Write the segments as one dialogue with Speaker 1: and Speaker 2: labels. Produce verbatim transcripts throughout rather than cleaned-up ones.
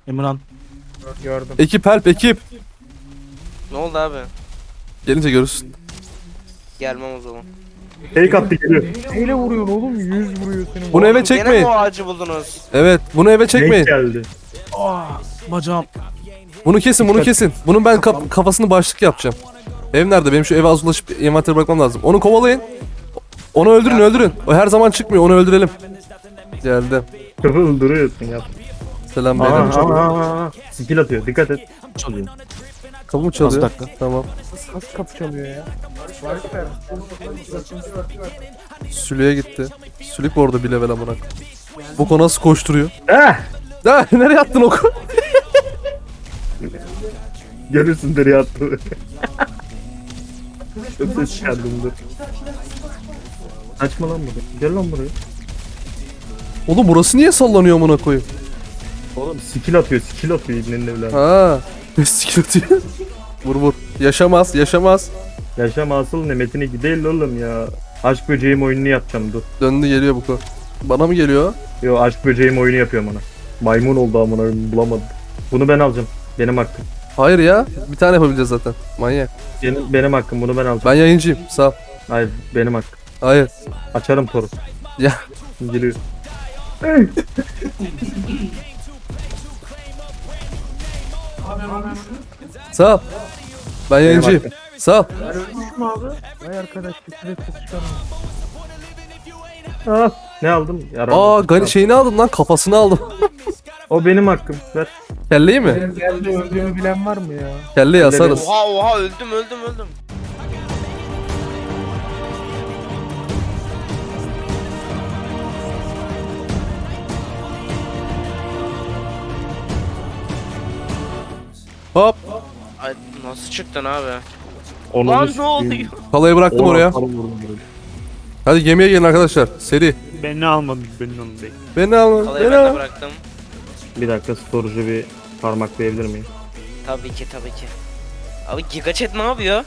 Speaker 1: Emirhan.
Speaker 2: Gördüm.
Speaker 3: Ekip help ekip.
Speaker 4: Ne oldu abi?
Speaker 3: Gelince görürsün.
Speaker 4: Gelmem o zaman.
Speaker 2: Fake attı geliyor. Neyle vuruyorsun oğlum? Yüz vuruyor senin.
Speaker 3: Bunu eve
Speaker 4: Gene
Speaker 3: çekmeyin.
Speaker 4: mi o ağacı buldunuz?
Speaker 3: Evet bunu eve
Speaker 2: Fake
Speaker 3: çekmeyin.
Speaker 2: geldi.
Speaker 1: Aa, bacağım.
Speaker 3: Bunu kesin bunu kesin. Bunun ben kaf- kafasını başlık yapacağım. Ev nerede? Benim şu eve az ulaşıp envanteri bırakmam lazım. Onu kovalayın. Onu öldürün öldürün. O her zaman çıkmıyor onu öldürelim. Geldi.
Speaker 2: Kapı öldürüyorsun ya.
Speaker 3: Selam
Speaker 2: Aa,
Speaker 3: beyler.
Speaker 2: aa, aa. Skill atıyor. Dikkat et.
Speaker 1: Çalıyor.
Speaker 3: Kapı mı çalıyor?
Speaker 1: Az dakika.
Speaker 3: Tamam.
Speaker 2: Nasıl kapı çalıyor ya?
Speaker 3: Sülüye gitti. Sülük bu arada bir level amına. Bu konu nasıl koşturuyor?
Speaker 2: Eh!
Speaker 3: Ha, nereye attın oku?
Speaker 2: Görürsün deri attı. Çok ses çıkardım dur. Kaçma lan buraya. Gel lan buraya.
Speaker 3: Oğlum burası niye sallanıyor amına koyayım?
Speaker 2: Oğlum skill atıyor. Skill atıyor ibnenin evladı.
Speaker 3: Ha. Sikirtiyor. Vur vur. Yaşamaz, yaşamaz.
Speaker 2: Yaşam asıl nimetine gidelim oğlum ya. Aşk böceğim oyununu yapacağım dur.
Speaker 3: Döndü geliyor bu konu. Bana mı geliyor?
Speaker 2: Yo aşk böceğim oyunu yapıyorum ona. Maymun oldu amına koyayım, bulamadım. Bunu ben alacağım. Benim hakkım.
Speaker 3: Hayır ya. Bir tane yapabileceğiz zaten. Manyak.
Speaker 2: Benim, benim hakkım bunu ben alacağım.
Speaker 3: Ben yayıncıyım. Sağ ol.
Speaker 2: Hayır benim hakkım.
Speaker 3: Hayır.
Speaker 2: Açarım toru.
Speaker 3: Ya.
Speaker 2: Geliyor.
Speaker 3: Sağ ol. Ben yayıncıyım.
Speaker 2: hakkım.
Speaker 3: Sağ ol.
Speaker 2: Vay arkadaş bir süre ses çıkarma. Ah, ne aldım? Yaram.
Speaker 3: Aa gani şeyini aldım lan. Kafasını aldım.
Speaker 2: O benim hakkım. Ver.
Speaker 3: Kelleyi mi?
Speaker 2: Benim geldi öldüğümü bilen var mı ya?
Speaker 3: Kelleyi asarız.
Speaker 4: Oha oha öldüm öldüm öldüm.
Speaker 3: Hop.
Speaker 4: Ay nasıl çıktın abi?
Speaker 2: Onu
Speaker 4: Lan ne oluyor?
Speaker 3: Kalayı bıraktım oraya. Hadi gemiye gelin arkadaşlar. Seri.
Speaker 1: Beni almadın, beni almadın.
Speaker 3: Beni alın.
Speaker 4: Kalayı
Speaker 3: Beni
Speaker 4: ben de
Speaker 3: alın.
Speaker 4: bıraktım.
Speaker 2: Bir dakika storage'ı bir parmaklayabilir miyim?
Speaker 4: Tabii ki tabii ki. Abi Giga Chat ne yapıyor?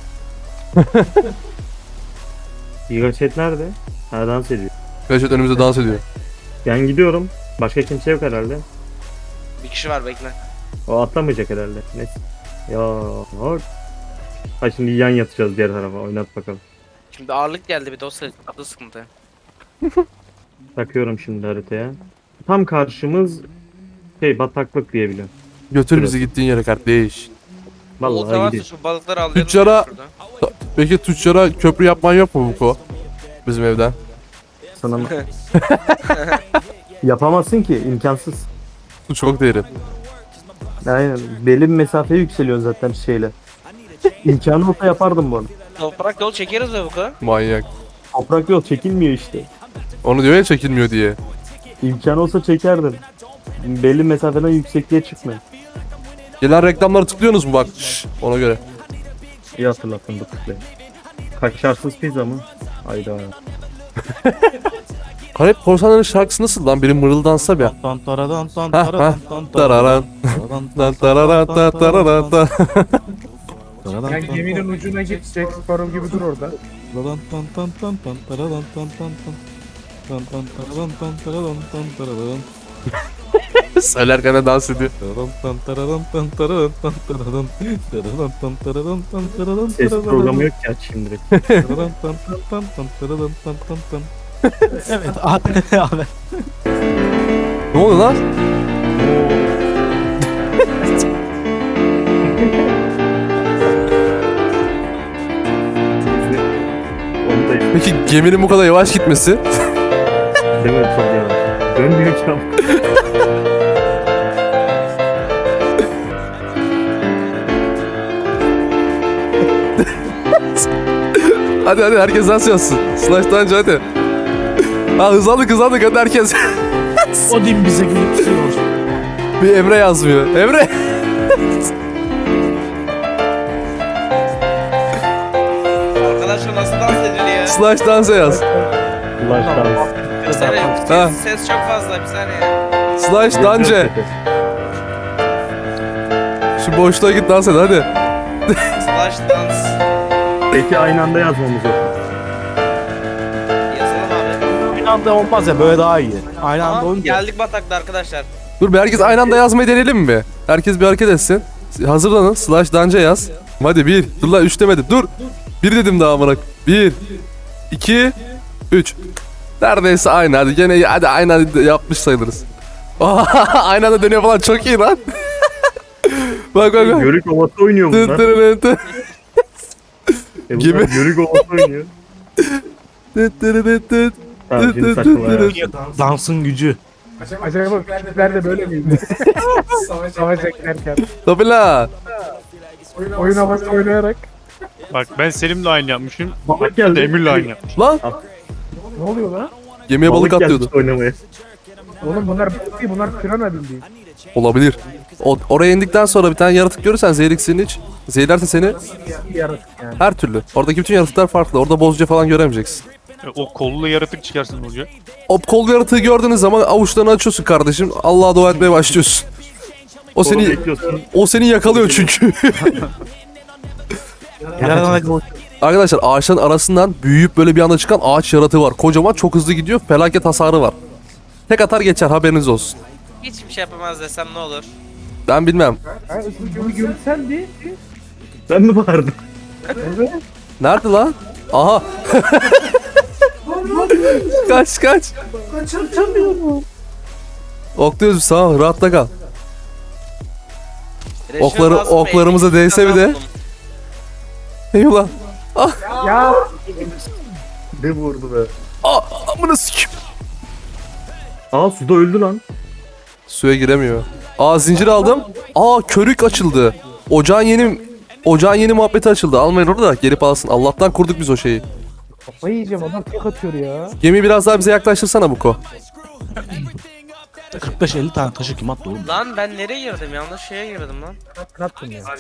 Speaker 2: Gigaset nerede? Ha dans ediyor.
Speaker 3: Gerçekten önümüzde dans ediyor.
Speaker 2: Ben gidiyorum. Başka kimse yok herhalde.
Speaker 4: Bir kişi var bekle.
Speaker 2: O atlamayacak herhalde. Neyse. Ya bak. Ha şimdi yan yatacağız diğer tarafa. Oynat bakalım.
Speaker 4: Şimdi ağırlık geldi bir de o sı- o sıkıntı.
Speaker 2: Takıyorum şimdi haritaya. Tam karşımız şey bataklık diyebiliyorum.
Speaker 3: Götür bizi gittiğin yere kardeş.
Speaker 4: Olta
Speaker 2: Vallahi
Speaker 4: varsa
Speaker 2: gidiyor.
Speaker 4: şu balıkları alayım.
Speaker 3: Tüccara- Peki tüccara köprü yapman yok mu Buko? Bizim evden.
Speaker 2: Sana mı? Yapamazsın ki imkansız.
Speaker 3: Su çok derin.
Speaker 2: Aynen. Belli bir mesafeye yükseliyorsun zaten şeyle. İmkanı olsa yapardım bunu.
Speaker 4: Toprak yol çekeriz be bu kadar.
Speaker 3: Manyak.
Speaker 2: Toprak yol çekilmiyor işte.
Speaker 3: Onu diyor ya çekilmiyor diye.
Speaker 2: İmkanı olsa çekerdim. Belli mesafeden yüksekliğe çıkmayın.
Speaker 3: Gelen reklamları tıklıyorsunuz mu bak? Şşş, ona göre.
Speaker 2: İyi hatırlattın bu tıklayı. Kaşarsız pizza mı? Hayda.
Speaker 3: Karayip Korsanların şarkısı nasıl lan? Biri mırıldansa bir.
Speaker 1: Tan taradan tan
Speaker 3: Ha,
Speaker 1: taradan
Speaker 3: ha.
Speaker 1: tan
Speaker 3: Tararan. Lan tararan ta tararan ta.
Speaker 1: taradan.
Speaker 5: Yani geminin ucuna git, Jack Sparrow gibi dur orada.
Speaker 1: Taradan tan tan tan tan taradan tan tan tan. Tan tan taradan tan taradan tan taradan.
Speaker 3: Söylerken de dans ediyor.
Speaker 1: Taradan tan taradan tan taradan tan taradan. Taradan tan taradan tan taradan.
Speaker 2: Ses programı yok ki aç şimdi.
Speaker 1: Taradan tan tan tan tan taradan tan tan tan. Evet abi abi.
Speaker 3: Ne oluyor lan?
Speaker 2: Onu da işte
Speaker 3: Peki geminin bu kadar yavaş gitmesi?
Speaker 2: değil mi? Çok yavaş. Dönmüyor ki ama.
Speaker 3: Hadi hadi herkes dans yapsın. Slash dance hadi. Ha hızlandık hızlandık hadi herkes.
Speaker 1: Odin bize gülüyor.
Speaker 3: Bir Emre yazmıyor. Emre.
Speaker 4: Arkadaşlar nasıl dans ediliyor?
Speaker 3: Slash dance yaz.
Speaker 2: Flash dans.
Speaker 4: Bir saniye
Speaker 3: Ha.
Speaker 4: ses, ses çok fazla bir saniye.
Speaker 3: Slash dance. Şu boşluğa git dans et hadi.
Speaker 4: Slash dans.
Speaker 2: Peki aynı anda yazmamız yok.
Speaker 4: Yazalım abi.
Speaker 1: Aynı anda olmaz ya böyle daha iyi. Aynı anda
Speaker 4: Tamam
Speaker 1: olunca.
Speaker 4: geldik batakta arkadaşlar.
Speaker 3: Dur bir herkes aynı anda yazmayı deneyelim mi? Herkes bir hareket etsin. Hazırlanın. Slash danca yaz. Hadi bir. Dur lan üç demedim. Dur. Bir dedim daha amına. Bir. iki. Üç. Neredeyse aynı. Hadi gene hadi aynı anda yapmış sayılırız. Aynı anda dönüyor falan çok iyi lan. Bak bak bak.
Speaker 2: Yörük ovası oynuyor
Speaker 3: Tı
Speaker 2: bunlar.
Speaker 3: tırı tı.
Speaker 2: E bunlar
Speaker 3: Gibi.
Speaker 2: Yörük ovası oynuyor.
Speaker 3: Tı tırı tı tı.
Speaker 2: Tamam şimdi saçmalama ya.
Speaker 1: Dansın gücü.
Speaker 5: Acaba küçükler de böyle miydi? Savaş eklerken.
Speaker 3: Tabii la.
Speaker 5: Oyun havası oynayarak.
Speaker 6: Bak ben Selim'le aynı yapmışım.
Speaker 2: Balık geldi.
Speaker 6: Emir'le aynı yapmış.
Speaker 3: Lan.
Speaker 5: Ne oluyor lan?
Speaker 3: Gemiye balık
Speaker 2: gelmiş
Speaker 3: atlıyordu.
Speaker 2: oynamaya.
Speaker 5: Oğlum bunlar balık değil, bunlar pirana bildiğin.
Speaker 3: Olabilir. O, oraya indikten sonra bir tane yaratık görürsen zehir iksirini iç. Zehirlerse seni
Speaker 5: Bir yaratık yani.
Speaker 3: her türlü. Oradaki bütün yaratıklar farklı. Orada bozca falan göremeyeceksin.
Speaker 6: O kollu yaratık çıkarsın olacak.
Speaker 3: O kol yaratığı gördüğünüz zaman avuçlarını açıyorsun kardeşim. Allah'a dua etmeye başlıyorsun. O
Speaker 2: Onu
Speaker 3: seni
Speaker 2: bekliyorsun.
Speaker 3: o seni yakalıyor çünkü. Arkadaşlar ağaçların arasından büyüyüp böyle bir anda çıkan ağaç yaratığı var. Kocaman çok hızlı gidiyor. Felaket hasarı var. Tek atar geçer haberiniz olsun.
Speaker 4: Hiçbir şey yapamaz desem ne olur?
Speaker 3: Ben bilmem.
Speaker 5: Ha, bunu görsen bir.
Speaker 2: Sen mi bağırdın?
Speaker 5: Evet.
Speaker 3: Nerede lan? Aha. kaç kaç.
Speaker 5: Kaçamıyorum.
Speaker 3: Okluyoruz sağ ol. Rahatta kal.
Speaker 4: Reşme
Speaker 3: Okları-
Speaker 4: lazım,
Speaker 3: oklarımıza
Speaker 4: elli
Speaker 3: değse bir de.
Speaker 4: kazandım.
Speaker 3: Eyvallah.
Speaker 5: Ya.
Speaker 2: Ne vurdu be?
Speaker 3: Aa, amına sikim.
Speaker 2: Aa suda öldü lan.
Speaker 3: Suya giremiyor. Aa zincir aldım. Aa körük açıldı. Ocağın yeni ocağın yeni muhabbeti açıldı. Almayın orada da gelip alsın. Allah'tan kurduk biz o şeyi.
Speaker 5: Kafayı yiyeceğim, adam tek atıyor ya.
Speaker 3: Gemiyi biraz daha bize yaklaştırsana Buko.
Speaker 1: kırk beş elli tane taşı kim attı oğlum?
Speaker 4: Lan ben nereye girdim? Yanlış şeye girdim lan.
Speaker 5: Ne yaptın ya?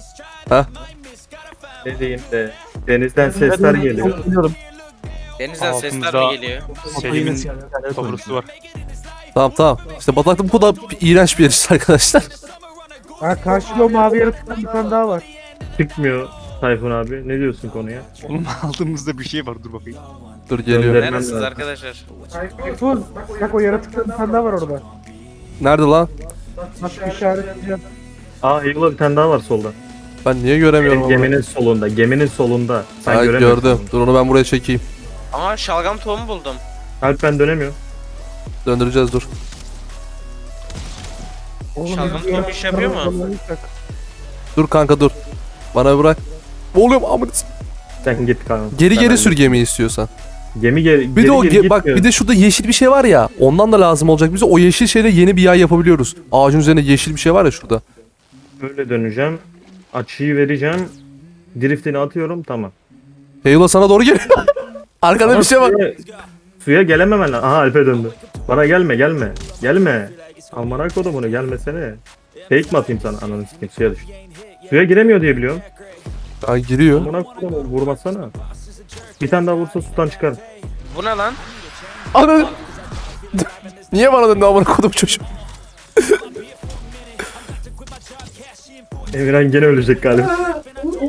Speaker 2: Ne diyeyim de. Denizden sesler geliyor.
Speaker 1: Biliyorum.
Speaker 4: Denizden sesler
Speaker 6: Altımızda-
Speaker 4: mi geliyor?
Speaker 6: Selim'in kablosu var.
Speaker 3: Tamam tamam. İşte bataklık bu kadar iğrenç bir yer işte arkadaşlar.
Speaker 5: Ha karşıda o mavi yaratıktan bir tane daha var.
Speaker 2: Çıkmıyor Tayfun abi. Ne diyorsun konuya?
Speaker 6: Oğlum altımızda bir şey var dur bakayım.
Speaker 3: Dur geliyor.
Speaker 2: Gönder.
Speaker 4: Neredesiniz
Speaker 2: lazım.
Speaker 4: arkadaşlar?
Speaker 5: Tuz. Bak o yaratıktan bir tane daha var orada.
Speaker 3: Nerede lan?
Speaker 5: Nasıl işaretleyeceğim?
Speaker 2: Aa Eagle bir tane daha var solda.
Speaker 3: Ben niye göremiyorum onu?
Speaker 2: Geminin solunda. Geminin solunda. Sen
Speaker 3: Ay,
Speaker 2: göremiyorsun.
Speaker 3: gördüm. Dur onu ben buraya çekeyim.
Speaker 4: Ama şalgam tohumu buldum.
Speaker 2: Alp ben dönemiyorum.
Speaker 3: Döndüreceğiz dur.
Speaker 5: Oğlum,
Speaker 4: Şalgam
Speaker 5: bir
Speaker 4: tohumu iş yapıyor mu?
Speaker 5: yaratıktan-
Speaker 3: Dur kanka dur. Bana bırak. Oğlum amına s-
Speaker 2: Sen git kanka.
Speaker 3: Geri
Speaker 2: Ben
Speaker 3: geri
Speaker 2: öyle-
Speaker 3: sür gemiyi istiyorsan.
Speaker 2: Gemi geri,
Speaker 3: Bir
Speaker 2: geri
Speaker 3: de o
Speaker 2: geri
Speaker 3: ge- bak
Speaker 2: gitmiyor.
Speaker 3: bir de şurada yeşil bir şey var ya. Ondan da lazım olacak bize. O yeşil şeyle yeni bir yay yapabiliyoruz. Ağacın üzerine yeşil bir şey var ya şurada.
Speaker 2: Böyle döneceğim. Açıyı vereceğim. Driftini atıyorum tamam.
Speaker 3: Heyula sana doğru geliyor. Arkada bir şey var.
Speaker 2: Suya, suya gelememen lazım. Aha Alp'e döndü. Bana gelme gelme. Gelme. Amına kodumunu gelmesene. Fake mi atayım sana? Ananı sikeyim suya düş. Suya giremiyor diye biliyorum.
Speaker 3: Ha giriyor.
Speaker 2: Amına kodumu vurmasana. Bir tane daha vursa sudan çıkar.
Speaker 4: Bu ne lan?
Speaker 3: Ana. Niye bana döndü amına kodum çocuğum?
Speaker 2: Emirhan gene ölecek galiba.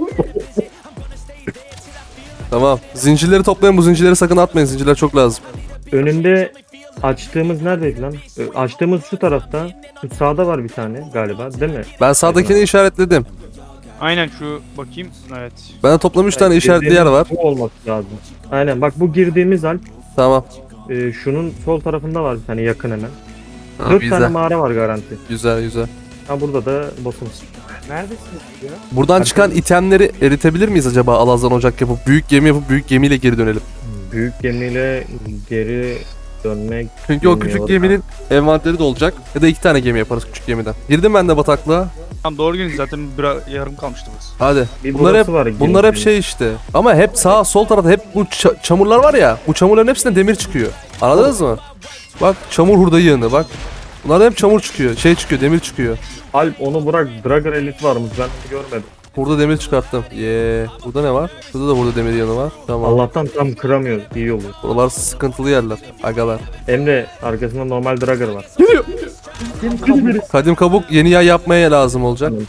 Speaker 3: Tamam. Zincirleri toplayın, bu zincirleri sakın atmayın. Zincirler çok lazım.
Speaker 2: Önünde açtığımız neredeydi lan? Ö, Açtığımız şu tarafta. Şu sağda var bir tane galiba değil mi?
Speaker 3: Ben sağdakini işaretledim.
Speaker 6: Aynen şu bakayım. Evet.
Speaker 3: Ben de toplam üç tane işaretli yer
Speaker 2: Girdiğimiz
Speaker 3: var.
Speaker 2: Bu olması lazım. Aynen bak bu girdiğimiz Alp.
Speaker 3: Tamam.
Speaker 2: e, şunun sol tarafında var bir tane yakın hemen.
Speaker 3: Ha,
Speaker 2: Dört tane
Speaker 3: güzel.
Speaker 2: mağara var garanti.
Speaker 3: Güzel güzel.
Speaker 2: Ha burada da boss'umuz.
Speaker 5: Neredesiniz ya?
Speaker 3: Buradan çıkan itemleri eritebilir miyiz acaba Alazan ocak yapıp büyük gemi yapıp büyük gemiyle geri dönelim.
Speaker 2: Büyük gemiyle geri dönmek.
Speaker 3: Çünkü o küçük
Speaker 2: bilmiyorum.
Speaker 3: geminin envanteri de olacak. Ya da iki tane gemi yaparız küçük gemiden. Girdim ben de bataklığa.
Speaker 6: Tam doğru gün zaten bir yarım kalmıştı burası.
Speaker 3: Hadi.
Speaker 2: Bir
Speaker 3: Bunlar hep
Speaker 2: burası var,
Speaker 3: bunlar hep
Speaker 2: gemi.
Speaker 3: şey işte. Ama hep sağ sol tarafta hep bu ça- çamurlar var ya. Bu çamurların hepsinde demir çıkıyor. Anladınız mı? Bak çamur hurda yığını bak. Bunlardan hep çamur çıkıyor. Şey çıkıyor, demir çıkıyor.
Speaker 2: Alp onu bırak. Dragger Elite varmış ben onu görmedim.
Speaker 3: Burada demir çıkarttım. Yee. Burada ne var? Burada da burada demir yanı var. Tamam.
Speaker 2: Allah'tan tam kıramıyor. İyi oluyor.
Speaker 3: Buralar sıkıntılı yerler. Agalar.
Speaker 2: Emre arkasında normal Dragger var.
Speaker 3: Geliyor. Kadim kabuk yeni yay yapmaya lazım olacak.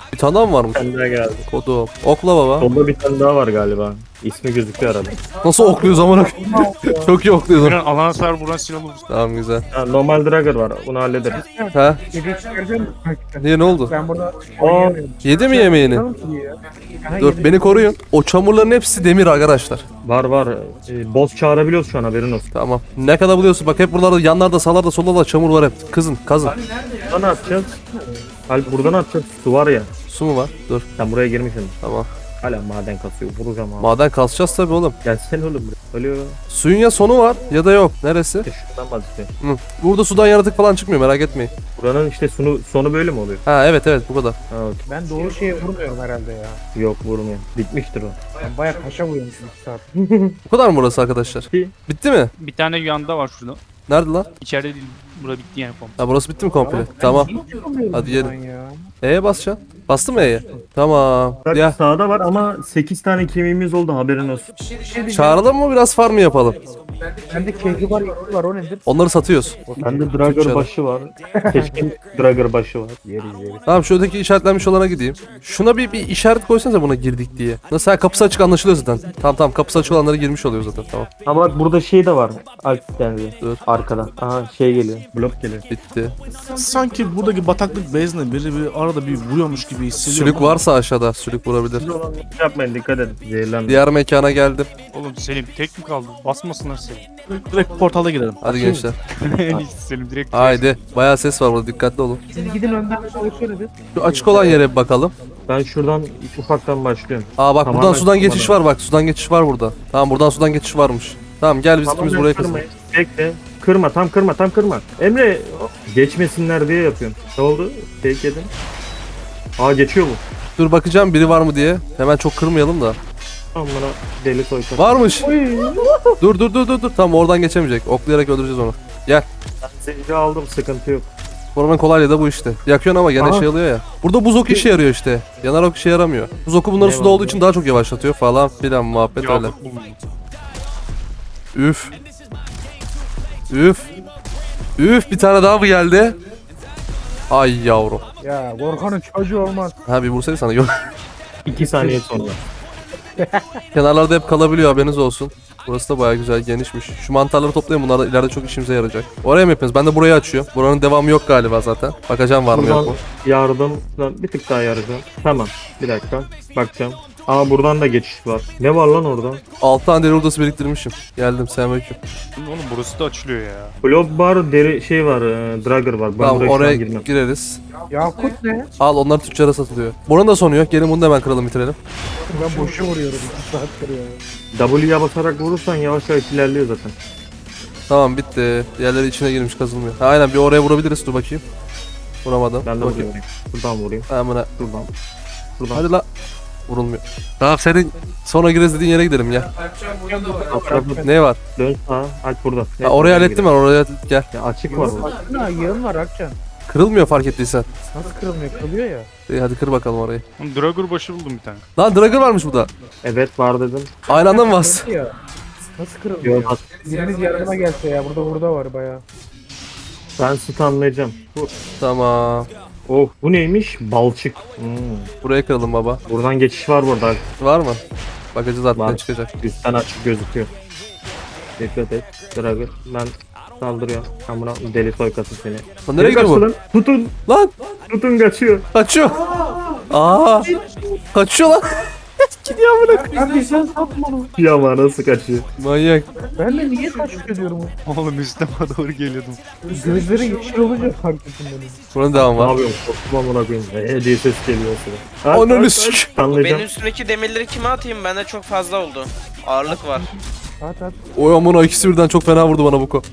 Speaker 3: Bir tane daha mı varmış?
Speaker 2: Bir tane daha geldi.
Speaker 3: Kodum. Okla baba.
Speaker 2: Solda bir tane daha var galiba. İsmi gözüküyor arada.
Speaker 3: Nasıl okluyoruz amına? Çok iyi okluyoruz.
Speaker 6: Buradan alana sar buradan silah alırız.
Speaker 3: Tamam güzel.
Speaker 2: Ha, normal Dragger var. Bunu hallederiz.
Speaker 3: Ha?
Speaker 5: Yediği çıkaracağım mı?
Speaker 3: Niye ne oldu?
Speaker 5: Ben burada
Speaker 2: Aa,
Speaker 5: oynayamıyorum.
Speaker 3: Yedi mi yemeğini?
Speaker 5: Canım ki ya. Aha,
Speaker 3: Dur
Speaker 5: yedi.
Speaker 3: beni koruyun. O çamurların hepsi demir arkadaşlar.
Speaker 2: var var. Ee, boss çağırabiliyoruz şu an, haberin olsun.
Speaker 3: Tamam. Ne kadar buluyorsun? Bak hep buralarda yanlarda sağlarda sollarda çamur var hep. Kızın kazın.
Speaker 2: Buradan atacağız. Alp buradan atacağız. Su var ya.
Speaker 3: Su mu var? Dur.
Speaker 2: Sen buraya girmişsin.
Speaker 3: Tamam.
Speaker 2: Hala maden kasıyor. Vuracağım abi.
Speaker 3: Maden kasacağız tabii oğlum.
Speaker 2: Gelsene oğlum buraya. Ölüyor.
Speaker 3: Suyun ya sonu var ya da yok. Neresi?
Speaker 2: İşte şuradan bahsediyorum.
Speaker 3: Hı. Burada sudan yaratık falan çıkmıyor merak etmeyin.
Speaker 2: Buranın işte sonu, sonu böyle mi oluyor?
Speaker 3: Ha evet evet bu kadar.
Speaker 2: Ha, okey.
Speaker 5: Ben doğru şeye vurmuyorum herhalde ya.
Speaker 2: Yok vurmuyor. Bitmiştir o.
Speaker 5: Ben bayağı taşa vuruyormuşum iki saat.
Speaker 3: Bu kadar mı burası arkadaşlar?
Speaker 2: İyi.
Speaker 3: Bitti mi?
Speaker 6: Bir tane yanda var şurada.
Speaker 3: Nerede lan?
Speaker 6: İçeride değil. Bura bitti yani komple.
Speaker 3: Ha burası bitti mi komple? Tamam. Hadi gelin.
Speaker 5: Ben ya.
Speaker 3: E'ye basacaksın. Bastın mı E'ye? Tamam.
Speaker 2: Bak
Speaker 3: Ya
Speaker 2: sağda var ama sekiz tane kemiğimiz oldu, haberin olsun.
Speaker 3: çağıralım mı biraz farm mı yapalım?
Speaker 5: Bende keyfi var, yakı var, o nedir?
Speaker 3: Onları satıyoruz.
Speaker 2: Bende Dragger
Speaker 3: Türkçe
Speaker 2: başı var. Keşke Dragger başı var. Yeriz yeriz.
Speaker 3: Tamam şu öteki işaretlenmiş olana gideyim. Şuna bir, bir işaret koysanıza buna girdik diye. Nasıl ha, kapısı açık anlaşılıyor zaten. Tamam tamam kapısı açık olanlara girmiş oluyor zaten tamam.
Speaker 2: Ama bak burada şey de var. Alp geldi.
Speaker 3: Dur.
Speaker 2: Arkadan. Aha şey geliyor. Blok geliyor.
Speaker 3: Bitti.
Speaker 1: Sanki buradaki bataklık bezine biri bir arada bir vuruyormuş gibi hissediyorum.
Speaker 3: Sülük
Speaker 1: ama-
Speaker 3: varsa aşağıda sülük vurabilir.
Speaker 2: Yapmayın, dikkat edin. Zehirlenmeyin.
Speaker 3: Diğer mekana geldim.
Speaker 6: Oğlum Selim tek mi kaldı? Basmasınlar seni.
Speaker 1: Direkt portala girelim.
Speaker 3: Hadi gençler.
Speaker 6: En iyisi Selim direkt.
Speaker 3: Haydi. Bayağı ses var burada dikkatli olun.
Speaker 5: Siz gidin önden çalışıyor bir.
Speaker 3: Şu açık olan yere bir bakalım.
Speaker 2: Ben şuradan ufaktan başlıyorum.
Speaker 3: Aa bak
Speaker 2: Tamamen
Speaker 3: buradan sudan geçiş
Speaker 2: tamamen.
Speaker 3: var bak sudan geçiş var burada. Tamam buradan sudan geçiş varmış. Tamam gel biz
Speaker 2: Tamam,
Speaker 3: ikimiz
Speaker 2: ben
Speaker 3: buraya kızalım.
Speaker 2: kırmayın. Bekle. Kırma, tam kırma, tam kırma. Emre geçmesinler diye yapıyorum. Ne oldu? Tek yedim. Aa geçiyor bu.
Speaker 3: Dur bakacağım biri var mı diye. Hemen çok kırmayalım da.
Speaker 2: Tam bana deli soykar.
Speaker 3: Varmış. Dur dur dur dur dur. Tamam oradan geçemeyecek. Oklayarak öldüreceğiz onu. Gel.
Speaker 2: Zehri aldım, sıkıntı yok.
Speaker 3: Formanın kolaylığı da bu işte. Yakıyorsun ama gene
Speaker 2: Aha.
Speaker 3: şey oluyor ya. Burada buz oku işe yarıyor işte. Yanar ok işe yaramıyor. Buz oku bunların
Speaker 2: Ne
Speaker 3: suda
Speaker 2: var
Speaker 3: olduğu
Speaker 2: bu?
Speaker 3: için daha çok yavaşlatıyor falan filan muhabbet öyle.
Speaker 6: Yakut buldum.
Speaker 3: Üf. Üf. Üf bir tane daha mı geldi? Ay yavrum.
Speaker 5: Ya Gorkan'ın çocuğu olmaz.
Speaker 3: Ha bir vursaydı sana yok.
Speaker 2: İki saniye sonra.
Speaker 3: Kenarlarda hep kalabiliyor haberiniz olsun. Burası da bayağı güzel genişmiş. Şu mantarları toplayın bunlar da ileride çok işimize yarayacak. Oraya mı yapıyorsunuz? Ben de burayı açıyorum. Buranın devamı yok galiba zaten. Bakacağım var mı yok
Speaker 2: Buradan
Speaker 3: mu?
Speaker 2: yardım, bir tık daha yarayacağım. Tamam, bir dakika. Bakacağım. Aa buradan da geçiş var. Ne var lan orada?
Speaker 3: altı tane deri odası biriktirmişim. Geldim selamünaleyküm.
Speaker 6: Oğlum burası da açılıyor ya.
Speaker 2: Blob bar, deri şey var, e, Dragger var. Ben
Speaker 3: Tamam
Speaker 2: buraya şu
Speaker 3: oraya
Speaker 2: an girmem.
Speaker 3: gireriz.
Speaker 5: Yakut ne?
Speaker 3: Al onlar tüccara satılıyor. Buranın da sonu yok. Gelin bunu da hemen kıralım bitirelim.
Speaker 5: Ben boşa vuruyorum iki saattir ya.
Speaker 2: W'ye basarak vurursan yavaş yavaş ilerliyor zaten.
Speaker 3: Tamam bitti. Diğerleri içine girmiş kazılmıyor. Ha, aynen bir oraya vurabiliriz. Dur bakayım. Vuramadım.
Speaker 2: Ben de
Speaker 3: Dur bakayım.
Speaker 2: vurayım. Buradan vurayım.
Speaker 3: Ha, buna.
Speaker 2: Şuradan. Şuradan.
Speaker 3: Hadi la. Vurulmuyor. Tamam senin sonra gireriz dediğin yere gidelim ya.
Speaker 2: Atrafı
Speaker 3: Ne var?
Speaker 2: dön sağa. Alp burada.
Speaker 3: Ha, orayı hallettim ben. Oraya gel.
Speaker 2: Ya açık var burada.
Speaker 5: Ha yığın var Akcan.
Speaker 3: Kırılmıyor fark ettiysen.
Speaker 5: Nasıl kırılmıyor? Kırılıyor ya.
Speaker 3: İyi, hadi kır bakalım orayı.
Speaker 6: Oğlum Dragger başı buldum bir tane.
Speaker 3: Lan Dragger varmış burada.
Speaker 2: Evet var dedim.
Speaker 3: Aynı anda mı bas?
Speaker 5: Ya. Nasıl kırılmıyor?
Speaker 2: Yok bak.
Speaker 5: Biriniz yardıma gelse ya. Burada burada var bayağı.
Speaker 2: Ben stunlayacağım. Bu.
Speaker 3: Tamam.
Speaker 2: Oh bu neymiş? Balçık. Hmm.
Speaker 3: Buraya kıralım baba.
Speaker 2: Buradan geçiş var burada.
Speaker 3: Var mı? Bakacağız artık
Speaker 2: Var.
Speaker 3: ne çıkacak.
Speaker 2: Üstten açık gözüküyor. Dikkat et. Dragger. Ben saldırıyorum. Ben buna deli soykasın seni.
Speaker 3: Lan nereye gidiyor bu?
Speaker 2: Lan. Tutun.
Speaker 3: Lan
Speaker 2: Tutun kaçıyor.
Speaker 3: kaçıyor. Aa. Kaçıyor lan. Gidiyor amına.
Speaker 5: Ben bir sen satma onu.
Speaker 2: Ya nasıl kaçıyor?
Speaker 3: Manyak.
Speaker 5: Ben de niye taş ediyorum?
Speaker 6: Oğlum üstüme doğru geliyordum.
Speaker 5: Gözleri yeşil olunca fark ettim benim.
Speaker 3: Buranın devamı
Speaker 2: Ne
Speaker 3: var.
Speaker 2: yapıyorum? Korktum amına koyayım. Ee diye ses geliyor sıra. Alp,
Speaker 3: Ananı
Speaker 2: Alp,
Speaker 3: sik.
Speaker 2: Alp. Stunlayacağım.
Speaker 4: Benim üstümdeki demirleri kime atayım? Bende çok fazla oldu. Ağırlık var.
Speaker 5: At at.
Speaker 3: Oy amına ikisi birden çok fena vurdu bana bu ko.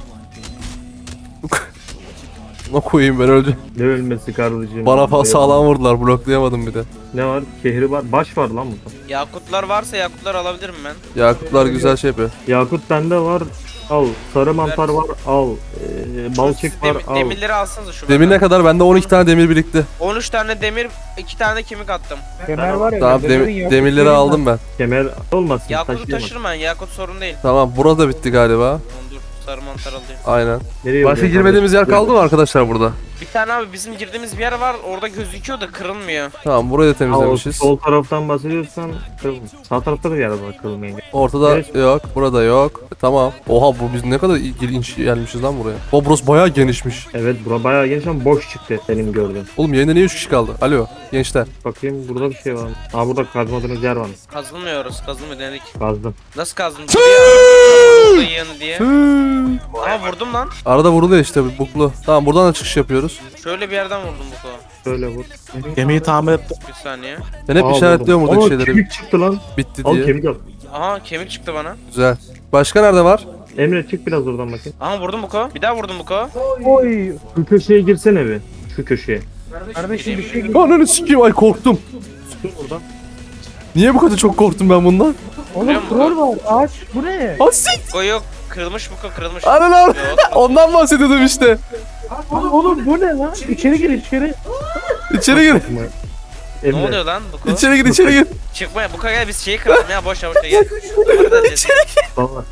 Speaker 3: Ne koyayım ben öldü.
Speaker 2: Ne ölmesi kardeşim?
Speaker 3: Bana fa sağlam vurdular bloklayamadım bir de.
Speaker 2: Ne var? Şehri var. Baş var lan burada.
Speaker 4: Yakutlar varsa yakutlar alabilirim ben.
Speaker 3: Yakutlar güzel şey yapıyor.
Speaker 2: Yakut bende var. Al. Sarı mantar var. Al. Ee, balçık var.
Speaker 4: Dem-
Speaker 2: Al.
Speaker 4: demirleri alsanıza şu
Speaker 3: Demir ne
Speaker 4: benden.
Speaker 3: kadar? Bende on iki tane demir birikti.
Speaker 4: on üç tane demir, iki tane kemik attım.
Speaker 5: Kemer var ya.
Speaker 3: Tamam
Speaker 5: demirin
Speaker 3: dem-
Speaker 5: yakut
Speaker 3: demirleri
Speaker 5: şeyi
Speaker 3: aldım ben.
Speaker 2: Kemer olmasın.
Speaker 4: Yakutu
Speaker 2: taşıyamaz.
Speaker 4: taşırım ben. Yakut sorun değil.
Speaker 3: Tamam burada bitti galiba.
Speaker 4: Oğlum dur Sarı mantar alıyor.
Speaker 3: Aynen.
Speaker 2: Nereye
Speaker 3: Başka
Speaker 2: vuruyor?
Speaker 3: girmediğimiz yer kaldı mı arkadaşlar burada?
Speaker 4: Bir tane abi bizim girdiğimiz bir yer var. Orada gözüküyor da kırılmıyor.
Speaker 3: Tamam burayı da
Speaker 2: Aa, o
Speaker 3: temizlemişiz.
Speaker 2: sol taraftan bahsediyorsan kırılmış. Sağ tarafta da yer var kırılmayan.
Speaker 3: Ortada
Speaker 2: Evet.
Speaker 3: yok, burada yok. E, tamam. Oha bu biz ne kadar ilginç gelmişiz lan buraya. O burası bayağı genişmiş.
Speaker 2: Evet bura bayağı geniş ama boş çıktı senin gördüğün.
Speaker 3: Oğlum yayında niye üç kişi kaldı? Alo gençler.
Speaker 2: Bakayım burada bir şey var mı? Aa burada kazmadığınız yer var mı?
Speaker 4: Kazılmıyoruz. Kazılmıyor denedik.
Speaker 2: Kazdım.
Speaker 4: Nasıl kazdın? Burada yanı diye. Aa vurdum lan.
Speaker 3: Arada vuruluyor işte bir buklu. Tamam buradan da çıkış yapıyoruz.
Speaker 4: Şöyle bir yerden vurdum bu kadar.
Speaker 2: Şöyle vur.
Speaker 1: Gemiyi tamir ettim.
Speaker 4: Bir saniye.
Speaker 3: Ben hep
Speaker 2: Aa,
Speaker 3: işaretliyorum
Speaker 2: buldum.
Speaker 3: buradaki
Speaker 2: Aa,
Speaker 3: şeyleri.
Speaker 2: kemik çıktı lan.
Speaker 3: Bitti
Speaker 2: Al
Speaker 3: diye.
Speaker 2: kemik al.
Speaker 4: Aha kemik çıktı bana.
Speaker 3: Güzel. Başka nerede var?
Speaker 2: Emre çık biraz oradan bakayım.
Speaker 4: Aha vurdum bu kadar. Bir daha vurdum bu kadar.
Speaker 5: Oy.
Speaker 2: Şu köşeye girsene bir. Şu köşeye.
Speaker 5: Kardeşim bir şey
Speaker 3: Ananı sikeyim ay korktum.
Speaker 2: Dur buradan.
Speaker 3: Niye bu kadar çok korktum ben bundan?
Speaker 5: Oğlum troll var. Ağaç. Bu ne?
Speaker 3: Asik.
Speaker 4: Go yok. Kırılmış bu kadar kırılmış.
Speaker 3: Ananı ar-
Speaker 4: Yok.
Speaker 3: Ondan bahsediyordum işte.
Speaker 5: Oğlum, oğlum bu ne lan? İçeri gir içeri.
Speaker 3: İçeri gir.
Speaker 4: Ne
Speaker 2: Emre.
Speaker 4: oluyor lan bu kadar?
Speaker 3: İçeri gir içeri gir.
Speaker 4: Çıkma bu kadar gel biz şeyi kıralım ya boş ver boş ver gel. Duvarı da deleceğiz.
Speaker 2: Baba.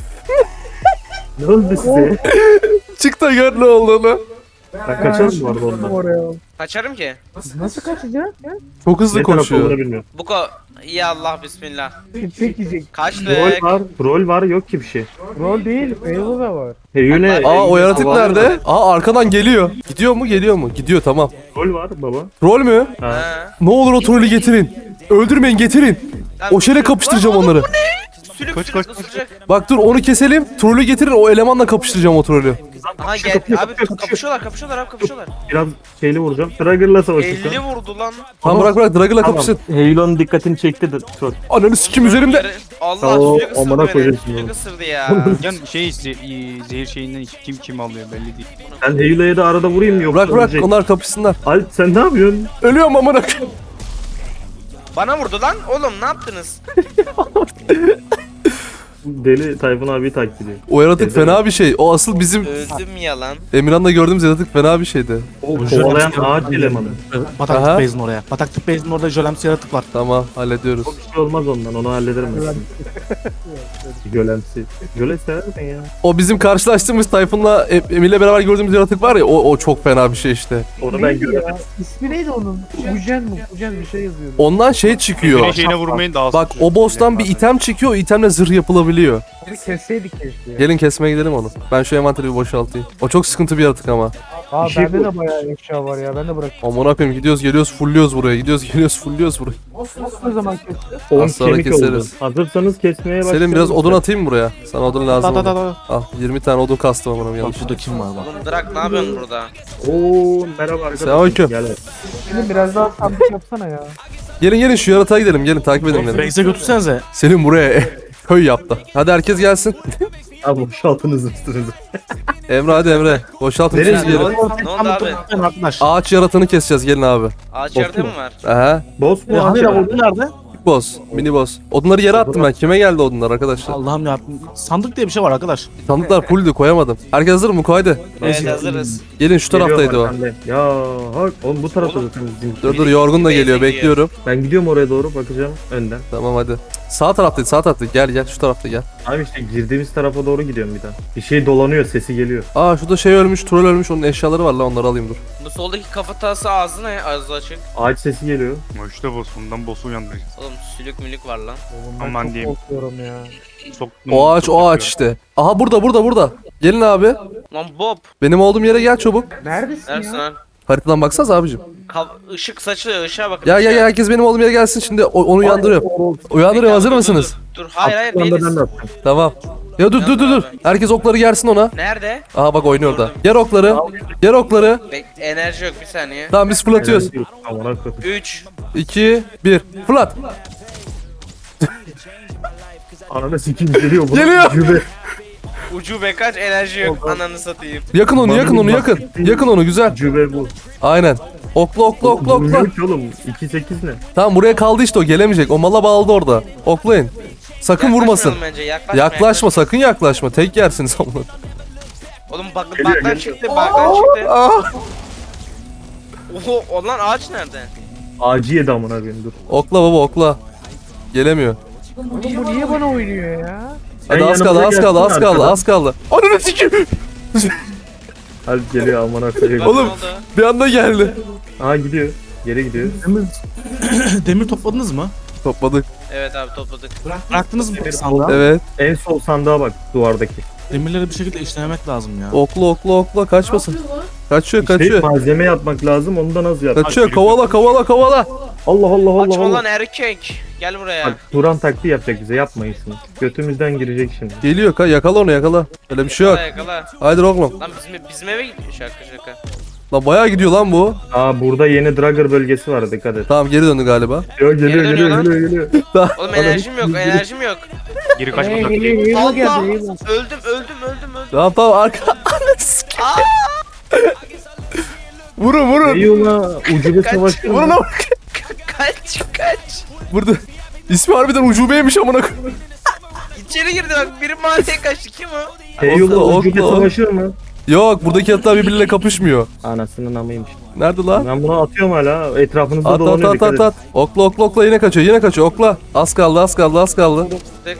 Speaker 2: Ne oldu size?
Speaker 3: Çık da gör ne olduğunu.
Speaker 2: Ben kaçarım bu arada ondan.
Speaker 5: Oraya.
Speaker 4: Kaçarım ki.
Speaker 5: Nasıl kaçacak?
Speaker 3: Çok hızlı
Speaker 2: Ne taraf olduğunu
Speaker 3: koşuyor.
Speaker 2: bilmiyorum.
Speaker 4: Bu kadar. Ya Allah bismillah.
Speaker 5: Tek yiyecek.
Speaker 4: Kaçtık.
Speaker 2: Rol var. Rol var yok ki bir şey.
Speaker 5: Roll değil. Feyzo da var.
Speaker 2: Heyune.
Speaker 3: Aa o yaratık nerede? Aa arkadan geliyor. Gidiyor mu geliyor mu? Gidiyor tamam.
Speaker 2: Rol var baba.
Speaker 3: Rol mü?
Speaker 2: Ha.
Speaker 4: Ha.
Speaker 3: Ne olur o trolü getirin. Öldürmeyin getirin.
Speaker 4: Lan-
Speaker 3: O şeyle kapıştıracağım
Speaker 4: Lan oğlum
Speaker 3: onları.
Speaker 4: bu ne? Sülük
Speaker 6: Kaç,
Speaker 4: sülük
Speaker 6: kaç,
Speaker 4: ısıracak.
Speaker 3: Bak dur onu keselim. Trolü getirin o elemanla kapıştıracağım o trolü.
Speaker 4: Aha gel abi kapışıyorlar kapışıyorlar abi kapışıyorlar.
Speaker 2: Biraz şeyli vuracağım. Trigger'la savaşacağım.
Speaker 4: elli vurdu lan.
Speaker 3: Tamam bırak bırak Dragon'la kapışın.
Speaker 2: Halo'nun dikkatini çekti de troll.
Speaker 3: Ananı sikim üzerimde.
Speaker 4: Allah
Speaker 2: Oo,
Speaker 4: sülük ısırdı
Speaker 2: amına
Speaker 4: beni.
Speaker 2: koyayım
Speaker 4: Sülük
Speaker 2: bunu.
Speaker 4: ısırdı ya.
Speaker 6: Yani şey ze- zehir şeyinden kim kim alıyor belli değil.
Speaker 2: Ben Halo'ya da arada vurayım yoksa
Speaker 3: Bırak bırak
Speaker 2: ölecek.
Speaker 3: onlar kapışsınlar.
Speaker 2: Alp sen ne yapıyorsun?
Speaker 3: Ölüyorum amına koyayım.
Speaker 4: Bana vurdu lan. Oğlum ne yaptınız?
Speaker 2: Deli Tayfun abi takip ediyor.
Speaker 3: O yaratık fena bir şey. O asıl bizim
Speaker 4: Öldüm ya lan.
Speaker 3: Emirhan'la gördüğümüz yaratık fena bir şeydi.
Speaker 2: O kovalayan ağaç elemanı.
Speaker 3: Aha.
Speaker 1: Bataklık Beyz'in oraya. Bataklık Beyz'in orada jölemsi yaratık var.
Speaker 3: Tamam hallediyoruz.
Speaker 2: O bir şey olmaz ondan onu hallederim ben. Gölemsi. Göle sever misin ya?
Speaker 3: O bizim karşılaştığımız Tayfun'la E- Emir'le beraber gördüğümüz yaratık var ya o, o çok fena bir şey işte.
Speaker 2: Onu ben
Speaker 5: Neydi
Speaker 2: göremedim.
Speaker 5: ya? İsmi neydi onun? Ujen mi? Ujen bir şey yazıyordu.
Speaker 3: Ondan şey çıkıyor.
Speaker 6: Zehir şeyine vurmayın daha az.
Speaker 3: Bak o boss'tan bir item çıkıyor o itemle zırh yapılabiliyor.
Speaker 5: Bir kesseydik keşke ya.
Speaker 3: Gelin kesmeye gidelim onu. Ben şu envanteri bir boşaltayım. O çok sıkıntı bir yaratık ama.
Speaker 5: Aa
Speaker 2: Bir şey
Speaker 5: bende
Speaker 2: bu.
Speaker 5: de bayağı eşya var ya. Ben de bırak.
Speaker 3: Aman koyayım gidiyoruz geliyoruz fulluyoruz buraya. Gidiyoruz geliyoruz fulluyoruz buraya.
Speaker 5: Ne zaman keseceğiz?
Speaker 2: on
Speaker 3: Az sonra
Speaker 2: kemik
Speaker 3: keseriz.
Speaker 2: oldu. Hazırsanız kesmeye başlayalım.
Speaker 3: Selim biraz odun atayım mı buraya? Sana odun lazım
Speaker 1: Da da da
Speaker 3: olur.
Speaker 1: da.
Speaker 3: Al yirmi tane odun kastım amına
Speaker 1: Bak
Speaker 3: yanlış.
Speaker 1: burada kim var bak.
Speaker 4: Oğlum Drak ne yapıyorsun burada?
Speaker 2: Oo merhaba arkadaşlar.
Speaker 3: Selamünaleyküm.
Speaker 2: Gel.
Speaker 5: Selim biraz daha sabit yapsana ya.
Speaker 3: Gelin gelin şu yaratığa gidelim gelin takip edin beni.
Speaker 1: Beyz'e götürsenize.
Speaker 3: Selim buraya köy yaptı. Hadi herkes gelsin.
Speaker 2: Abi boşaltınız üstünüzü.
Speaker 3: Emre hadi Emre. Boşaltın
Speaker 2: Nereye
Speaker 3: üçünüz gelin.
Speaker 4: Ne oldu abi?
Speaker 1: Ben arkadaş.
Speaker 3: Ağaç yaratığını keseceğiz gelin abi.
Speaker 4: Ağaç yerde mi var?
Speaker 3: Aha.
Speaker 2: Boss
Speaker 1: E,
Speaker 2: mu?
Speaker 1: hani
Speaker 2: ağaç
Speaker 1: de
Speaker 2: mı?
Speaker 1: ordu nerede?
Speaker 3: Boss. Mini boss. Odunları yere attım ben. Kime geldi odunlar arkadaşlar?
Speaker 1: Allah'ım ya. Sandık diye bir şey var arkadaş.
Speaker 3: Sandıklar fulldü koyamadım. Herkes hazır mı? Koydu.
Speaker 4: Evet hazırız.
Speaker 3: Gelin şu taraftaydı
Speaker 2: Geliyorum
Speaker 3: o.
Speaker 2: ben de. Ya hak oğlum bu tarafta
Speaker 4: Oğlum.
Speaker 2: zaten bizim.
Speaker 3: Dur dur yorgun da geliyor
Speaker 4: Beyze
Speaker 3: bekliyorum.
Speaker 2: Ben gidiyorum oraya doğru bakacağım önden.
Speaker 3: Tamam hadi. Sağ taraftaydı sağ taraftaydı. Gel gel şu tarafta gel.
Speaker 2: Abi işte girdiğimiz tarafa doğru gidiyorum bir daha. Bir şey dolanıyor sesi geliyor.
Speaker 3: Aa şurada şey ölmüş, troll ölmüş. Onun eşyaları var lan onları alayım dur.
Speaker 4: Bu soldaki kafatası ağzı ne? Ağzı açık.
Speaker 2: Ağaç sesi geliyor.
Speaker 6: Ama işte boss bundan boss'u uyandıracağız.
Speaker 4: Oğlum sülük mülük var lan.
Speaker 5: Oğlum ben
Speaker 6: Aman
Speaker 5: çok
Speaker 6: diyeyim.
Speaker 5: korkuyorum ya.
Speaker 6: Soktum,
Speaker 3: O ağaç
Speaker 6: çok
Speaker 3: o ağaç
Speaker 6: yapıyor.
Speaker 3: işte. Aha burada burada burada. Gelin abi.
Speaker 4: Lan Bob.
Speaker 3: Benim olduğum yere gel çabuk.
Speaker 5: Neredesin
Speaker 4: Neredesin
Speaker 5: ya?
Speaker 4: lan?
Speaker 3: Haritadan baksanız abicim.
Speaker 4: Kav- ışık saçılıyor ışığa bakın.
Speaker 3: Ya ya
Speaker 4: ışığa.
Speaker 3: ya herkes benim olduğum yere gelsin şimdi o- onu uyandırıyorum. Uyandırıyorum hazır mısınız?
Speaker 4: Dur, dur hayır hayır
Speaker 2: Şu anda ben
Speaker 4: değiliz.
Speaker 2: de attım.
Speaker 3: Tamam. Ya dur dur dur dur. Herkes okları yersin ona.
Speaker 4: Nerede?
Speaker 3: Aha bak oynuyor orada. Yer okları. Yer okları.
Speaker 4: Bek enerji yok bir saniye.
Speaker 3: Tamam biz fırlatıyoruz.
Speaker 2: Aman akıllı.
Speaker 4: üç.
Speaker 3: iki bir Fırlat.
Speaker 2: Ananı sikim geliyor. bu.
Speaker 3: Geliyor.
Speaker 2: Cübe.
Speaker 4: Ucube kaç enerji yok ananı satayım.
Speaker 3: Yakın onu yakın onu yakın. Yakın onu güzel.
Speaker 2: Cübe bu.
Speaker 3: Aynen. Okla okla okla okla.
Speaker 2: Bilmiyorum ki oğlum. iki sekiz ne?
Speaker 3: Tamam buraya kaldı işte o gelemeyecek. O mala bağladı orada. Oklayın. Sakın vurmasın.
Speaker 4: Yaklaşmayalım Bence. Yaklaşma,
Speaker 3: Yaklaşma sakın yaklaşma. Tek yersiniz amına.
Speaker 4: Oğlum bak,
Speaker 2: Geliyor,
Speaker 4: baktan
Speaker 2: geliyor.
Speaker 4: çıktı baktan çıktı.
Speaker 3: Ah!
Speaker 4: Oho o lan ağaç nerede?
Speaker 2: Ağacı yedi amına koyayım dur.
Speaker 3: Okla baba okla. Gelemiyor.
Speaker 5: Oğlum bu niye bana oynuyor ya?
Speaker 3: Hadi
Speaker 2: Sen
Speaker 3: az kaldı az
Speaker 2: yanımıza
Speaker 3: kaldı az
Speaker 2: gelsene
Speaker 3: kaldı
Speaker 2: arkadan.
Speaker 3: az kaldı. Ananı sikeyim.
Speaker 2: Alp geliyor amına koyayım.
Speaker 3: Oğlum.
Speaker 4: Ne oldu?
Speaker 3: Bir anda geldi.
Speaker 2: Aa gidiyor. Geri gidiyor.
Speaker 1: Demir, demir topladınız mı?
Speaker 3: Topladık.
Speaker 4: Evet abi topladık.
Speaker 1: Bıraktınız mı peki sandığa?
Speaker 3: Evet.
Speaker 2: En sol sandığa bak duvardaki.
Speaker 1: Demirleri bir şekilde işlemek lazım ya.
Speaker 3: Okla okla okla kaçmasın. Kaçıyor
Speaker 2: İşte
Speaker 3: kaçıyor.
Speaker 2: malzeme yapmak lazım. Onu da nasıl yap?
Speaker 3: Kaçıyor kovala kovala kovala.
Speaker 2: Allah Allah Allah
Speaker 4: Açma
Speaker 2: Allah.
Speaker 4: lan erkek. Gel buraya.
Speaker 2: Bak Turan taktiği yapacak bize. Yapmayın şunu. Götümüzden girecek şimdi.
Speaker 3: Geliyor ka yakala onu yakala. Öyle bir şey yok.
Speaker 4: Yakala yakala.
Speaker 3: Haydi oğlum.
Speaker 4: Lan bizim, bizim eve gidiyor şaka şaka.
Speaker 3: Lan bayağı gidiyor lan bu.
Speaker 2: Aa burada yeni Dragger bölgesi var. Dikkat et.
Speaker 3: Tamam geri döndü galiba.
Speaker 2: Geliyor geliyor
Speaker 4: Geri dönüyor
Speaker 2: geliyor
Speaker 4: lan.
Speaker 2: geliyor geliyor.
Speaker 4: Oğlum enerjim yok enerjim yok.
Speaker 6: Geri
Speaker 5: Hey,
Speaker 6: kaçma
Speaker 5: hey,
Speaker 6: taktiği.
Speaker 5: hey, hey,
Speaker 4: Allah!
Speaker 5: geldi, hey,
Speaker 4: Öldüm öldüm öldüm öldüm.
Speaker 3: Tamam tamam arka. vurun vurun.
Speaker 2: Eyvallah. Ucube
Speaker 4: Kaç.
Speaker 2: savaşı.
Speaker 3: Vurun ama.
Speaker 4: Kaç kaç.
Speaker 3: Burada. İsmi harbiden ucubeymiş amına koyayım.
Speaker 4: İçeri girdi bak biri mahalleye kaçtı kim o?
Speaker 2: Eyvallah
Speaker 3: Okla,
Speaker 2: ucube
Speaker 3: okla.
Speaker 2: savaşı mı?
Speaker 3: Yok buradaki atlar birbiriyle kapışmıyor.
Speaker 2: Anasının amıymış.
Speaker 3: Nerede lan?
Speaker 2: Ben bunu atıyorum hala. Etrafınızda
Speaker 3: At at
Speaker 2: dolanıyor.
Speaker 3: at
Speaker 2: dikkat
Speaker 3: at
Speaker 2: edin.
Speaker 3: at. Okla okla okla yine kaçıyor yine kaçıyor okla. Az kaldı az kaldı az kaldı.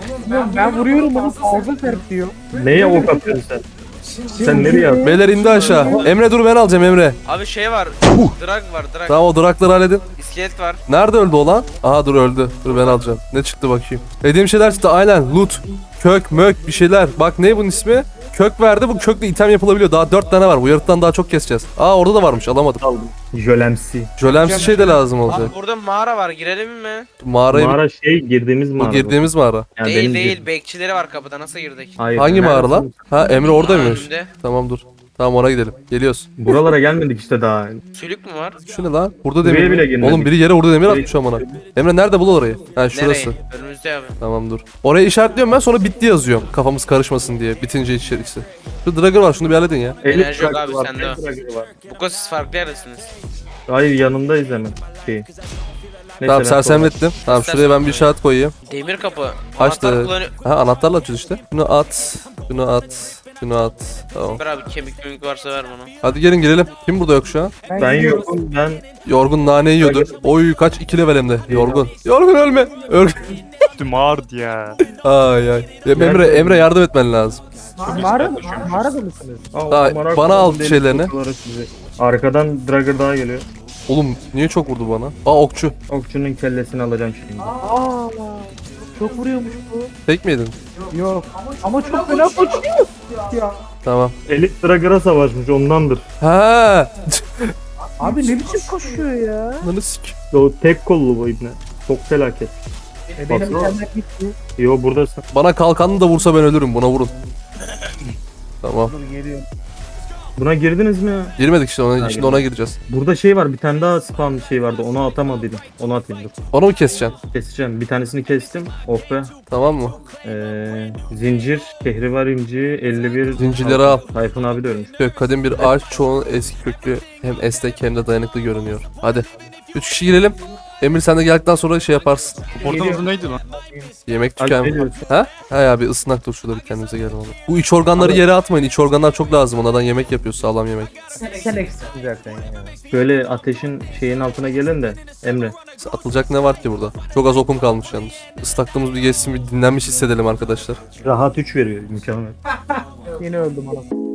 Speaker 5: Ben vuruyorum onu fazla serpiyor.
Speaker 2: Neye ok atıyorsun sen? Sen nereye attın?
Speaker 3: Beyler indi aşağı. Emre dur ben alacağım Emre.
Speaker 4: Abi şey var. Drag var drag.
Speaker 3: Tamam o durakları halledin.
Speaker 4: İskelet var.
Speaker 3: Nerede öldü o lan? Aha dur öldü. Dur ben alacağım. Ne çıktı bakayım. Dediğim şeyler çıktı aynen. Loot. Kök mök bir şeyler. Bak ne bunun ismi? Kök verdi. Bu kökle item yapılabiliyor. Daha dört tane var. Bu yarıktan daha çok keseceğiz. Aa orada da varmış alamadım.
Speaker 2: Jölemsi.
Speaker 3: Jölemsi şey de lazım olacak.
Speaker 4: Abi burada mağara var girelim mi?
Speaker 3: Mağarayı
Speaker 2: Mağara şey girdiğimiz mağara.
Speaker 3: bu girdiğimiz mağara.
Speaker 2: Yani
Speaker 4: değil
Speaker 2: benim
Speaker 4: değil
Speaker 2: girdiğim-
Speaker 4: bekçileri var kapıda nasıl girdik?
Speaker 2: Hayır.
Speaker 3: Hangi
Speaker 2: neresi?
Speaker 3: mağara lan? Ha Emre orada mıymış?
Speaker 4: Önünde.
Speaker 3: Tamam dur. Tamam oraya gidelim. Geliyoruz.
Speaker 2: Buralara gelmedik işte daha.
Speaker 4: Sülük mü var?
Speaker 3: Şu ne lan? Burada
Speaker 2: Buraya
Speaker 3: demir.
Speaker 2: bile
Speaker 3: mi?
Speaker 2: girmedik.
Speaker 3: Oğlum biri yere orada demir atmış amına. Emre nerede bul orayı? Ha şurası.
Speaker 4: Nereye? Önümüzde abi.
Speaker 3: Tamam dur. Oraya işaretliyorum ben sonra bitti yazıyorum. Kafamız karışmasın diye. Bitince içerisi. Şu Dragger var şunu bir halledin ya.
Speaker 2: Elif
Speaker 4: Enerji yok
Speaker 2: Dragger
Speaker 4: abi,
Speaker 2: var,
Speaker 4: sende
Speaker 2: Elif
Speaker 4: o.
Speaker 2: Dragger var.
Speaker 4: Bu kadar siz farklı yerdesiniz.
Speaker 2: Hayır yanındayız hemen. Şey. Neyse,
Speaker 3: Tamam
Speaker 2: ben
Speaker 3: sersemlettim. Tamam şuraya ben bir işaret koyayım.
Speaker 4: Demir kapı.
Speaker 3: Açtı.
Speaker 4: Anahtar kullanıyor.
Speaker 3: Ha anahtarla açıyoruz işte. Şunu at. Şunu at. Şunu at. Tamam.
Speaker 4: Ver abi kemik mümük varsa ver bana.
Speaker 3: Hadi gelin girelim. Kim burada yok şu an?
Speaker 2: Ben yokum ben.
Speaker 3: Yorgun nane yiyordu. Oy kaç iki level hem de. Yorgun. Yorgun ölme. Ölme.
Speaker 6: Mağard ya.
Speaker 3: Ay ay. Ya Emre, Emre yardım etmen lazım.
Speaker 5: Mağara, mağarada mısınız?
Speaker 2: Aa,
Speaker 3: Daha
Speaker 2: amına
Speaker 3: bana
Speaker 2: koydum
Speaker 3: al
Speaker 2: deli
Speaker 3: şeylerini.
Speaker 2: kutuları sizi. Arkadan Dragger daha geliyor.
Speaker 3: Oğlum niye çok vurdu bana? Aa okçu.
Speaker 2: Okçunun kellesini alacağım şimdi.
Speaker 5: Aa, çok vuruyormuş bu.
Speaker 3: Tek mi yedin?
Speaker 5: Yok. Ama çok fena koşuyor. Ya.
Speaker 3: Tamam.
Speaker 2: Elif Dragger'a savaşmış ondandır.
Speaker 3: Ha.
Speaker 5: Abi ne biçim koşuyor ya?
Speaker 3: Lan sik.
Speaker 2: O tek kollu bu ibne. Çok felaket.
Speaker 5: E benim
Speaker 2: Baksana.
Speaker 5: internet gitti.
Speaker 2: Yo buradasın.
Speaker 3: Bana kalkanını da vursa ben ölürüm. Buna vurun. Tamam.
Speaker 5: Dur geliyor.
Speaker 2: Buna girdiniz mi ya?
Speaker 3: Girmedik işte ona,
Speaker 2: Ha,
Speaker 3: şimdi ona gireceğiz.
Speaker 2: Burada şey var bir tane daha spam şey vardı onu atamadıydım. Onu atayım dur.
Speaker 3: Onu mu keseceksin?
Speaker 2: Keseceğim. Bir tanesini kestim. Oh be.
Speaker 3: Tamam mı?
Speaker 2: Ee, zincir, kehribar inci, elli bir.
Speaker 3: Zincirleri al.
Speaker 2: Tayfun abi de ölmüş.
Speaker 3: Kök kadim bir ağaç çoğunun eski köklü hem esnek hem de dayanıklı görünüyor. Hadi. Üç kişi girelim. Emir sen de geldikten sonra şey yaparsın.
Speaker 6: Portal adı neydi lan?
Speaker 3: Yemek
Speaker 2: Alp
Speaker 3: tüken.
Speaker 2: ne diyorsun?
Speaker 3: Ha? Ha ya bir ısınak dur şurada bir kendimize gelelim. oğlum. Bu iç organları yere atmayın. İç organlar çok lazım. Onlardan yemek yapıyoruz. Sağlam yemek.
Speaker 5: Sen eksiksin zaten ya.
Speaker 2: Böyle ateşin şeyin altına gelin de Emre.
Speaker 3: Atılacak ne var ki burada? Çok az okum kalmış yalnız. Islaklığımız bir geçsin bir dinlenmiş hissedelim arkadaşlar.
Speaker 2: Rahat üç veriyor mükemmel.
Speaker 5: Yeni öldüm ana.